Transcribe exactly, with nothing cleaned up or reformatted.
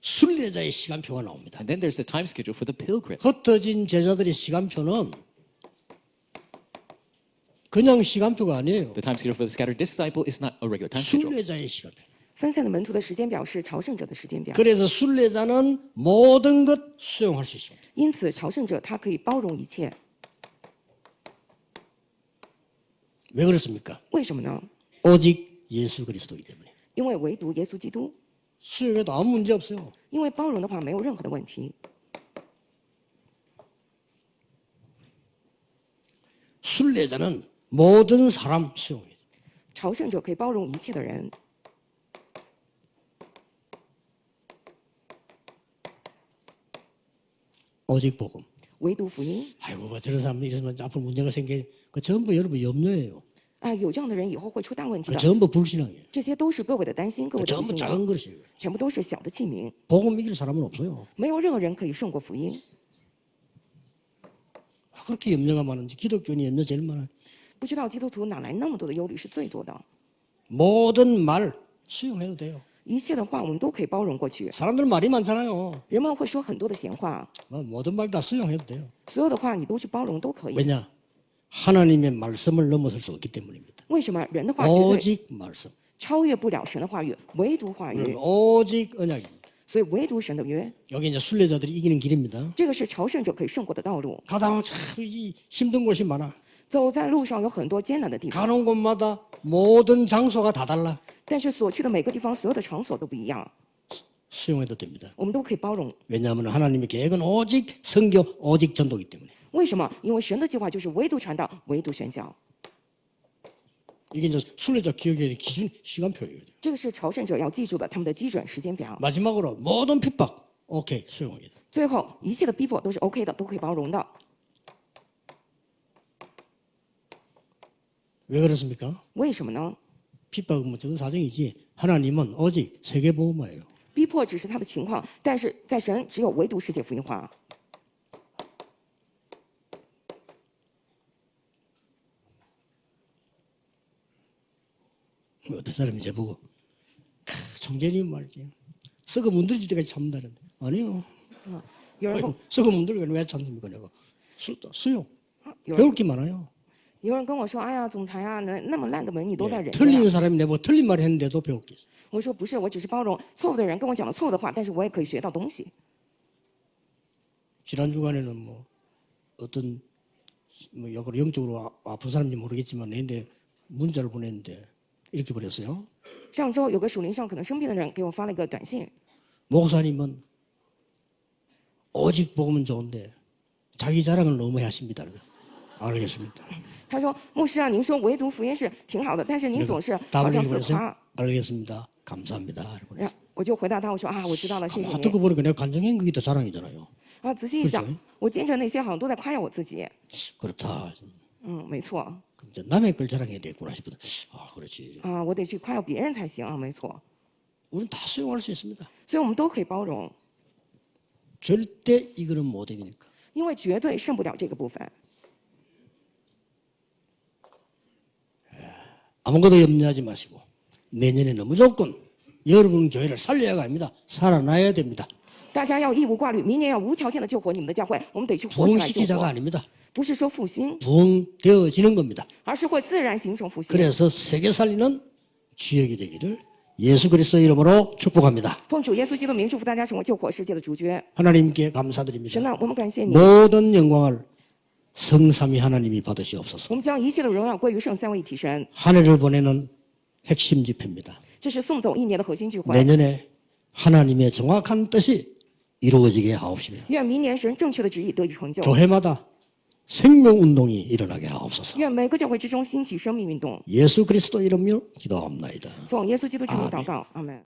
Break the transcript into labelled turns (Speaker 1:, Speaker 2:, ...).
Speaker 1: 순례자의 시간표가 나옵니다.
Speaker 2: And then there's the time schedule for the pilgrim.
Speaker 1: 흩어진 제자들의 시간표는 그냥 시간표가 아니에요.
Speaker 2: The time schedule for the scattered disciple is not a regular time schedule.
Speaker 1: 순례자의 시간표.
Speaker 3: 分散的门徒的时间表是朝圣者的时间表，
Speaker 1: 그래서 순례자는 모든 것 수용할 수 있습니다.
Speaker 3: 因此朝圣者他可以包容一切。
Speaker 1: 왜 그렇습니까?
Speaker 3: 为什么呢？
Speaker 1: 오직 예수 그리스도이기 때문에.
Speaker 3: 因为唯独耶稣基督，
Speaker 1: 수용해도 아무 문제 없어요.
Speaker 3: 因为包容的话没有任何的问题。
Speaker 1: 순례자는 모든 사람 수용해요.
Speaker 3: 朝圣者可以包容一切的人，
Speaker 1: 오직 복음.
Speaker 3: 唯独福音。
Speaker 1: 아이고 뭐 저런 사람들 이러면 앞으로 문제가 생겨. 그 전부 여러분 염려예요.
Speaker 3: 啊，有这样的人以后会出大问题
Speaker 1: 그
Speaker 3: 的。
Speaker 1: 전부 불신앙이에요.
Speaker 3: 这些都是各位的担心，各
Speaker 1: 그
Speaker 3: 位的不
Speaker 1: 전부
Speaker 3: 信
Speaker 1: 작은
Speaker 3: 仰，
Speaker 1: 것이에요.
Speaker 3: 全部都是小的器皿，
Speaker 1: 복음 이길 사람은 없어요.
Speaker 3: 没有任何人可以胜过福音。
Speaker 1: 그렇게 염려가 많은지 기독교인이 염려 제일 많아요.
Speaker 3: 不知道基督徒哪来那么多的忧虑是最多的，
Speaker 1: 모든 말 수용해도 돼요.
Speaker 3: 一切的话我们都可以包容过去。
Speaker 1: 사람들 말이 많잖아요.
Speaker 3: 人们会说很多的闲话，
Speaker 1: 뭐 모든 말 다 수용해도 돼요.
Speaker 3: 所有的话你都去包容都可以。
Speaker 1: 왜냐? 하나님의 말씀을 넘어설 수 없기 때문입니다.
Speaker 3: 为什么人的话绝对
Speaker 1: 오직 말씀.
Speaker 3: 超越不了神的话语，唯独话语，
Speaker 1: 오직 언약입니다.
Speaker 3: 所以唯独神的约，
Speaker 1: 여기 이제 순례자들이 이기는 길입니다.
Speaker 3: 这个是朝圣者可以胜过的道路。
Speaker 1: 가다 보면 참 이 힘든 곳이 많아.
Speaker 3: 走在路上有很多艰难的地方，
Speaker 1: 가는 곳마다 모든 장소가 다 달라.
Speaker 3: 但是所去的每个地方，所有的场所都不一样，
Speaker 1: 수용해도 됩니다.
Speaker 3: 我们都可以包容。
Speaker 1: 왜냐하면 하나님의 계획은 오직 선교, 오직 전도이기 때문에.
Speaker 3: 为什么？因为神的计划就是唯独传道，唯独宣教。
Speaker 1: 이게 이제 순례자 기억의 기준 시간표예요.
Speaker 3: 这个是朝圣者要记住的，他们的基准时间表。
Speaker 1: 마지막으로 모든 핍박, 오케이 수용해요.
Speaker 3: 最后，一切的逼迫都是 OK 的，都可以包容的。
Speaker 1: 왜 그렇습니까?
Speaker 3: 为什么呢？
Speaker 1: 핍박은 뭐 적은 사정이지 하나님은 오직 세계보험화예요.
Speaker 3: 逼迫只是他的情况，但是在神只有唯独世界福音化。
Speaker 1: 어떤 사람이 제보고 총재님 말이지 썩어 문드러질 때까지 참는다는데 아니요.
Speaker 3: 有人跟
Speaker 1: 아이고, 썩어 문드러지면 왜 참습니까 내가 수, 수용
Speaker 3: 有人
Speaker 1: 배울 게 많아요.
Speaker 3: 有人跟我说：“哎呀，总裁啊，那那么烂的门你都在
Speaker 1: 예,
Speaker 3: 忍着
Speaker 1: 틀리는
Speaker 3: 呀。
Speaker 1: 사람이 내보고 틀린 말 했는데도 배울 게 있어요.
Speaker 3: 我说：“不是，我只是包容错误的人跟我讲了错误的话，但是我也可以学到东西。
Speaker 1: 지난 주간에는 뭐 어떤 뭐 역으로 영적으로 아- 아픈 사람인지 모르겠지만 내한테 문자를 보냈는데 이렇게 보냈어요.
Speaker 3: 上周有个属灵上可能生病的人给我发了一个短信，
Speaker 1: 목사님은 오직 복음은 좋은데 자기 자랑을 너무 하십니다. 알겠습니다.
Speaker 3: 他说：“牧师啊，您说唯独福音是挺好的，但是您总是好
Speaker 1: 답을
Speaker 3: 像
Speaker 1: 읽고
Speaker 3: 自夸。
Speaker 1: 그랬어요. 알겠습니다. 감사합니다. 이렇게
Speaker 3: 然后我就回答他，我说：“啊，我知道了，谢谢
Speaker 1: 아,
Speaker 3: 您。
Speaker 1: 듣고 보니까 내가 간증한 그게 더 자랑이잖아요.
Speaker 3: 啊，仔细一想
Speaker 1: 그렇죠 ，
Speaker 3: 我见证那些好像都在夸耀我自己。
Speaker 1: 그렇다.
Speaker 3: 嗯，没错。
Speaker 1: 그럼 이제 남의 걸 자랑해야 되겠구나 싶거든. 아, 그렇지.
Speaker 3: 啊，我得去夸耀别人才行啊，没错。
Speaker 1: 우리는 다 수용할 수 있습니다.
Speaker 3: 所以我们都可以包容，
Speaker 1: 절대 이거는 못 이기니까.
Speaker 3: 因为绝对胜不了这个部分。
Speaker 1: 아무것도 염려하지 마시고 내년에는 무조건 여러분 교회를 살려야가 아닙니다. 살아나야 됩니다.
Speaker 3: 大家要义无挂虑，明年要无条件的救活你们的教会，我们得去活起来救
Speaker 1: 부흥시키자가
Speaker 3: 活，
Speaker 1: 아닙니다.
Speaker 3: 不是说复兴，
Speaker 1: 부흥되어지는 겁니다.
Speaker 3: 而是会自然形成复兴。
Speaker 1: 그래서 세계 살리는 주역이 되기를 예수 그리스도 이름으로 축복합니다.
Speaker 3: 奉主耶稣基督名祝福大家成为救活世界的主角。
Speaker 1: 하나님께 감사드립니다.
Speaker 3: 神啊，我们感谢你，
Speaker 1: 모든 영광을 성삼위 하나님이 받으시옵소서.
Speaker 3: 我们将一切的荣耀归于圣三位一体神。
Speaker 1: 한 해를 보내는 핵심 집회입니다.
Speaker 3: 这是送走一年的核心聚会。
Speaker 1: 내년에 하나님의 정확한 뜻이 이루어지게 하옵시며
Speaker 3: 愿明年神正确的旨意得以成就。
Speaker 1: 교회마다 생명운동이 일어나게 하옵소서.
Speaker 3: 愿每个教会之中兴起生命运动。
Speaker 1: 예수 그리스도 이름으로 기도합나이다.
Speaker 3: 奉耶稣基督之名祷告，阿门。